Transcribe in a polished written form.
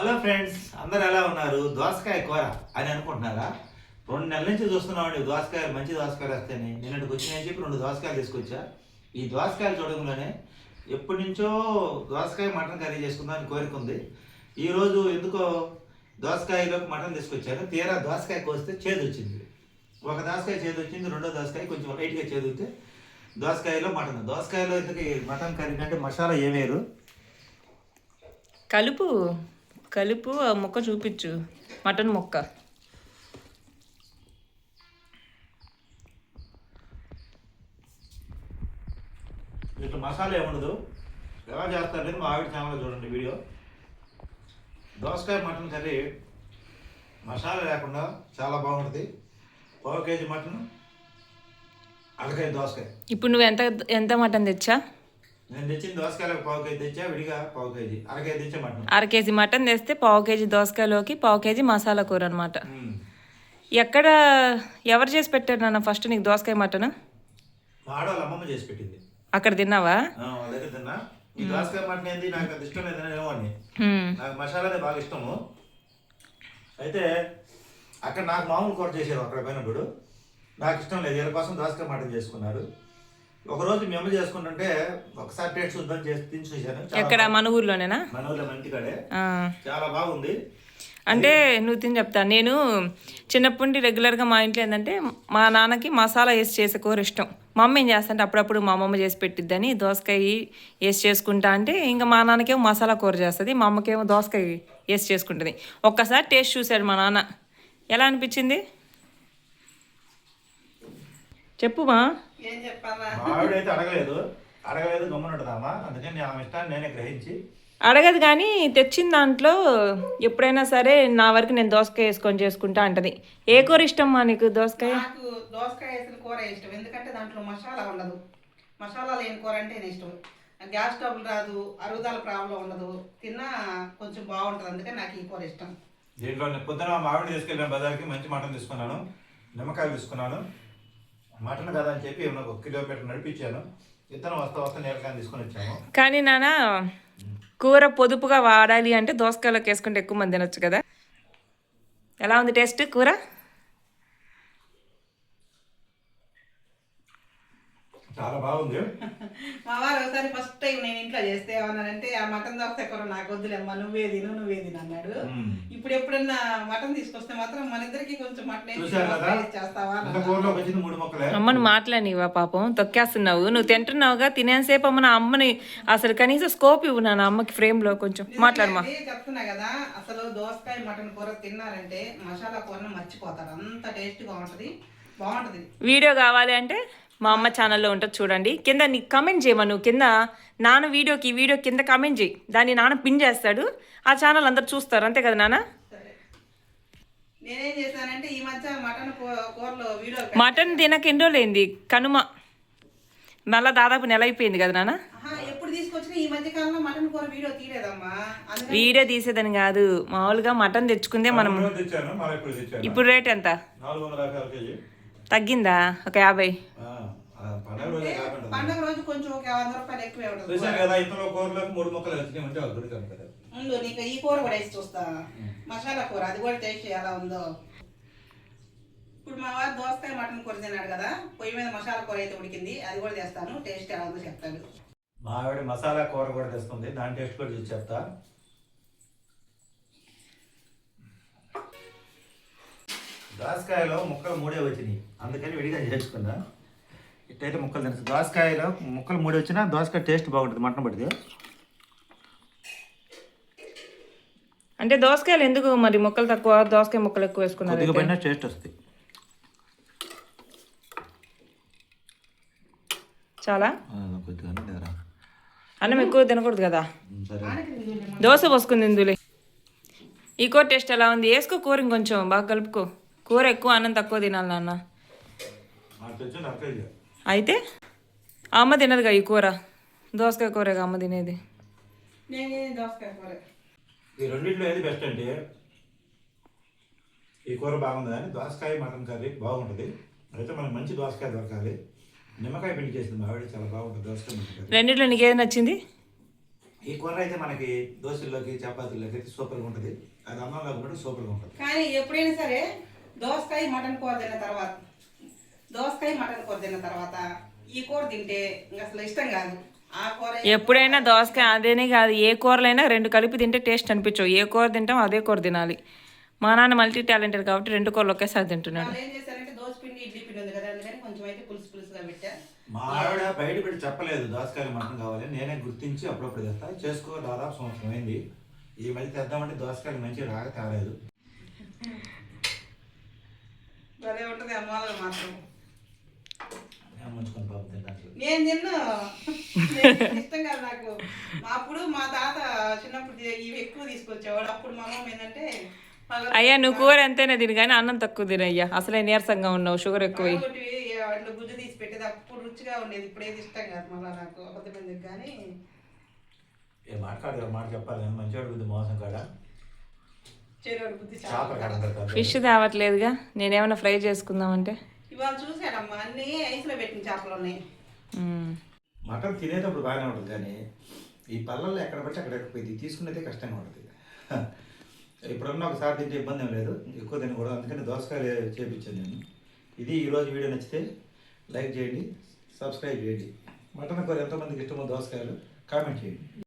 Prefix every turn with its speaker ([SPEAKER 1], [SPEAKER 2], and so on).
[SPEAKER 1] Hello friends, అందరు ఎలా ఉన్నారు? దోసకాయ కూర అని అనుకుంటున్నారా? 2 నెలల నుంచి చూస్తున్నామండి దోసకాయలు, మంచి దోసకాయలు వస్తాయని. నిన్నటికి వచ్చినాయని చెప్పి 2 దోసకాయలు తీసుకొచ్చా. ఈ దోసకాయలు చూడడంలోనే ఎప్పటి నుంచో దోసకాయ మటన్ కర్రీ చేసుకుందామని కోరిక ఉంది. ఈరోజు ఎందుకో దోసకాయలోకి మటన్ తీసుకొచ్చాను. తీరా దోసకాయ కోస్తే చేదు వచ్చింది. ఒక దోసకాయ చేదు వచ్చింది, రెండో దోసకాయ కొంచెం లైట్గా చేదు వస్తే దోసకాయలో మటన్. దోసకాయలో ఎందుకు మటన్ కర్రీ అంటే మసాలా ఏమేరు?
[SPEAKER 2] కలుపు కలుపు ఆ ముక్క చూపించు, మటన్ ముక్క.
[SPEAKER 1] ఇట్లా మసాలా ఏముండదు, ఎలా చేస్తారనేది మా ఆవిడ ఛానల్లో చూడండి వీడియో. దోసకాయ మటన్ కర్రీ మసాలా లేకుండా చాలా బాగుంటుంది. 1/2 కేజీ మటన్, 1/2 కేజీ దోసకాయ.
[SPEAKER 2] ఇప్పుడు నువ్వు ఎంత ఎంత మటన్ తెచ్చా?
[SPEAKER 1] నేను తెచ్చిన దోసకాయలకు 1/2 కేజీ తెచ్చా, విడిగా 1/2 కేజీ, 1/2 కేజీ తెచ్చా మటన్.
[SPEAKER 2] 1/2 కేజీ మటన్ తెస్తే 1/2 కేజీ దోసకాయలోకి 1/2 కేజీ మసాలా కూర అనమాట. ఎక్కడ ఎవరు చేసి పెట్టారు నాన్న ఫస్ట్ నీకు దోసకాయ మటన్?
[SPEAKER 1] మా ఆడవాళ్ళ అమ్మమ్మ చేసి పెట్టింది.
[SPEAKER 2] అక్కడ తిన్నావా?
[SPEAKER 1] వాళ్ళ దగ్గర తిన్నా. ఈ దోసకాయ మటన్ ఏంది నాకు అది ఇష్టం లేదనేమో అని, నాకు మసాలానే బాగా ఇష్టము. అయితే అక్కడ నాకు మామూలు కూర చేశారు, అక్కడ పోయినప్పుడు నాకు ఇష్టం లేదు, వీళ్ళ కోసం దోసకాయ మటన్ చేసుకున్నారు. ఒకరోజు మేము చేసుకుంటుంటే ఒకసారి టేస్ట్ చూద్దాం చేసి తిని చూశాను.
[SPEAKER 2] ఎక్కడ మన ఊర్లోనేనా?
[SPEAKER 1] మన ఊర్లో మంటికాడే, చాలా బాగుంది.
[SPEAKER 2] అంటే నువ్వు తిని చెప్తా. నేను చిన్నప్పటి నుండి రెగ్యులర్గా మా ఇంట్లో ఏంటంటే మా నాన్నకి మసాలా వేసి చేసే కూర ఇష్టం. మా అమ్మ ఏం చేస్తంటే అప్పుడప్పుడు మా అమ్మమ్మ చేసి పెట్టిద్దని దోసకాయ వేసి చేసుకుంటా అంటే ఇంకా మా నాన్నకేమో మసాలా కూర చేస్తుంది, మా అమ్మకేమో దోసకాయ వేసి చేసుకుంటుంది. ఒక్కసారి టేస్ట్ చూశాడు మా నాన్న, ఎలా అనిపించింది చెప్పుమా.
[SPEAKER 1] ఆవిడైతే అడగలేదు గమ్మునుంటుందమ్మా, అందుకని ఆమె ఇష్టాన్ని నేనే గ్రహించి
[SPEAKER 2] అడగదు. కానీ తెచ్చిన దాంట్లో ఎప్పుడైనా సరే నా వరకు నేను దోసకాయ వేసుకొని చేసుకుంటా అంటది. ఏ కూర ఇష్టం మా నీకు? దోసకాయ.
[SPEAKER 3] నాకు దోసకాయ వేసిన కూర ఇష్టం, ఎందుకంటే దాంట్లో మసాలా ఉండదు. మసాలా లేని కూర అంటే నేను ఇష్టం. గ్యాస్ ట్రబుల్ రాదు, అరుగుదల ప్రాబ్లం ఉండదు, తిన్నా కొంచెం బాగుంటుంది, అందుకని నాకు ఈ కూర ఇష్టం.
[SPEAKER 1] దీంట్లో పొద్దున మా ఆవిడ తీసుకెళ్ళిన బజార్కి మంచి మటన్ తీసుకున్నాను, నిమ్మకాయలు తీసుకున్నాను. మటన్ కదా అని చెప్పి 1 కిలోమీటర్ నడిపించాను. ఇద్దరం వస్తా నీలకాయలు తీసుకొని వచ్చాము.
[SPEAKER 2] కానీ నాన్న కూర పొదుపుగా వాడాలి అంటే దోసకాయలోకి వేసుకుంటే ఎక్కువ మంది తినొచ్చు కదా. ఎలా ఉంది టేస్ట్ కూర?
[SPEAKER 1] చాలా బాగుంది.
[SPEAKER 3] మా వారు ఒకసారి ఫస్ట్ టైం నేను ఇంట్లో చేస్తే ఏమన్నారంటే, ఆ మటన్ దోసకాయ కూర నాకు వద్దులేమ్మా, నువ్వే తిను అన్నాడు. ఇప్పుడు ఎప్పుడన్నా మటన్ తీసుకొస్తే మాత్రం మన ఇద్దరికి కొంచెం మటన్ చేస్తావా?
[SPEAKER 2] అమ్మను మాట్లాడివా? పాపం తొక్కేస్తున్నావు, నువ్వు తింటున్నావుగా, తినేసేపు అమ్మ. నా అమ్మని అసలు కనీసం స్కోప్ ఇవ్వు నా అమ్మకి ఫ్రేమ్ లో కొంచెం మాట్లాడమా.
[SPEAKER 3] చెప్తున్నా కదా, అసలు దోసకాయ మటన్ కూర తిన్నారంటే మసాలా కూరను మర్చిపోతారు, అంత టేస్ట్గా ఉంటుంది, బాగుంటుంది.
[SPEAKER 2] వీడియో కావాలి అంటే మా అమ్మ ఛానల్లో ఉంటుంది చూడండి. కింద నీకు కమెంట్ చేయమా, నువ్వు కింద నాన్న వీడియోకి ఈ వీడియో కింద కమెంట్ చేయి, దాన్ని నాన్న పిన్ చేస్తాడు, ఆ ఛానల్ అందరు చూస్తారు, అంతే కదా నాన్న?
[SPEAKER 3] నేనేం చేశానంటే ఈ మధ్య మటన్ కూరలో వీడియో,
[SPEAKER 2] మటన్ తినక ఎన్ని రోజులైంది? కనుమ మళ్ళీ దాదాపు నెల అయిపోయింది కదా నాన్న.
[SPEAKER 3] ఎప్పుడు తీసుకొచ్చినా ఈ మధ్య కాలంలో మటన్ కూర వీడియో తీయలేదమ్మా.
[SPEAKER 2] వీడియో తీసేదని కాదు, మామూలుగా మటన్ తెచ్చుకుందే మనం. ఇప్పుడు రేట్ ఎంత తగ్గిందా? ఒక 50.
[SPEAKER 3] పండుగ రోజు కొంచెం ఒక 100 రూపాయలు ఎక్కువే ఉంటుంది. ముందు నీకు ఈ కూర కూడా వేసి చూస్తా, మసాలా కూర, అది కూడా టేస్ట్ ఎలా ఉందో. ఇప్పుడు మా వారు దోసకాయ మటన్ కూర తిన్నాడు కదా, పొయ్యి మీద మసాలా కూర అయితే ఉడికింది, అది కూడా తెస్తాను, టేస్ట్ ఎలా ఉందో చెప్తాడు.
[SPEAKER 1] మా ఆవిడ మసాలా కూర కూడా తెస్తుంది, దాని టేస్ట్ కూడా చూసి చెప్తా. దోసకాయలో ముక్కలు 3 వచ్చినాయి, అందుకని విడిగా చేసుకున్నా. ఇట్టయితే ముక్కలు తినచ్చు. దోసకాయలో ముక్కలు 3 వచ్చినా దోసకాయ టేస్ట్ బాగుంటుంది మటన్ పడితే.
[SPEAKER 2] అంటే దోసకాయలు ఎందుకు మరి ముక్కలు తక్కువ, దోసకాయ ముక్కలు ఎక్కువ వేసుకున్నారు?
[SPEAKER 1] పైన టేస్ట్ వస్తుంది
[SPEAKER 2] చాలా. అన్నం ఎక్కువ తినకూడదు కదా, దోశ పోసుకుంది ఇందులో. ఈ కూర టేస్ట్ ఎలా ఉంది? వేసుకో కూర, ఇంకొంచెం బాగా కలుపుకో. కూర ఎక్కువ, అన్నం తక్కువ తినాలి నాన్న. అయితే అమ్మ తినదుగా ఈ కూర, దోసకాయ కూరగా అమ్మ తినేది.
[SPEAKER 1] ఈ రెండింటిలో ఏది బెస్ట్ అంటే ఈ కూర బాగుంది కానీ దోసకాయ మటన్ కర్రీ బాగుంటుంది. అయితే మనకు మంచి దోసకాయ దొరకాలి. నిమ్మకాయ పిండి చేసింది మా ఆవిడ, చాలా బాగుంటుంది దోసకాయ మటన్ కర్రీ.
[SPEAKER 2] రెండిట్లో నీకేది నచ్చింది?
[SPEAKER 1] ఈ కూర అయితే మనకి దోశల్లోకి చపాతీల్లోకి అయితే సూపర్గా ఉంటుంది. అది అన్నంలోకి కూడా సూపర్గా ఉంటుంది.
[SPEAKER 3] కానీ ఎప్పుడైనా సరే దోసకాయ మటన్ కూర తిన్న తర్వాత ఈ కూర తింటే ఇంకా అసలు ఇష్టం కాదు. ఆ కూర
[SPEAKER 2] ఎప్పుడైనా దోసకాయ అదేనే కాదు, ఏ కూరలైనా రెండు కలిపి తింటే టేస్ట్ అనిపించవు. ఏ కూర తింటాం అదే కూర తినాలి. మా నాన్న మల్టీ టాలెంటెడ్ కాబట్టి రెండు కూరలు ఒకేసారి తింటున్నాడు.
[SPEAKER 3] వాళ్ళు ఏం చేశారంటే దోశ పిండి ఇడ్లీ పిండి ఉంది కదా, అందుకని కొంచెం అయితే పులుసుగా పెట్టా.
[SPEAKER 1] మా ఆవిడ బయట పెట్టి చెప్పలేదు దోసకాయలు మటన్ కావాలి, నేనే గుర్తించి అప్పుడప్పుడు తెస్తా. చేసుకో దాదాపు సంవత్సరం అయింది. ఈ మధ్య తెద్దామంటే దోసకాయలు మంచిగా రాక తేలేదు.
[SPEAKER 3] అదే ఉంటుంది అమ్మాయిలు మాత్రం.
[SPEAKER 1] ముంచుకొని పాపం తినడానికి
[SPEAKER 3] నేను తిన్నా ఇష్టం కాదు నాకు. అప్పుడు మా తాత చిన్నప్పుడు ఇవి ఎక్కువ తీసుకొచ్చేవాడు. అప్పుడు మా అమ్మ ఏంటంటే
[SPEAKER 2] అయ్యా నువ్వు కూర ఎంతైనా తిని కానీ అన్నం తక్కువ తినయ్యా, అసలే నీరసంగా ఉన్నావు, షుగర్ ఎక్కువ.
[SPEAKER 3] వాటిలో గుజ్జు తీసి పెట్టేది అప్పుడు రుచిగా ఉండేది. ఇప్పుడు ఏది ఇష్టం కాదు మళ్ళీ నాకు అబద్ధమైంది. కానీ
[SPEAKER 1] ఏ మాట్లాడు మాట చెప్పాలి కానీ మంచివాడు బుద్ధి మోసం కాడ
[SPEAKER 3] చెరువు బుద్ధి
[SPEAKER 1] చేప కాడ
[SPEAKER 2] ఫిష్ తేవట్లేదుగా, నేనేమన్నా ఫ్రై చేసుకుందామంటే.
[SPEAKER 3] ఇవాళ చూసాడమ్మా అన్ని ఐస్లో పెట్టిన చేపలు ఉన్నాయి.
[SPEAKER 1] మటన్ తినేటప్పుడు బాగానే ఉంటుంది కానీ ఈ పళ్ళల్లో ఎక్కడ పట్టి అక్కడ పోయి తీసుకునేదే కష్టంగా ఉంటుంది. ఇప్పుడున్న ఒకసారి తింటే ఇబ్బంది ఏం లేదు, ఎక్కువ తినకూడదు. అందుకని దోసకాయలు చేపించాను నేను. ఇది ఈరోజు వీడియో నచ్చితే లైక్ చేయండి, సబ్స్క్రైబ్ చేయండి. మటన్ కూర ఎంతమందికి ఇష్టమో దోసకాయలు కామెంట్ చేయండి.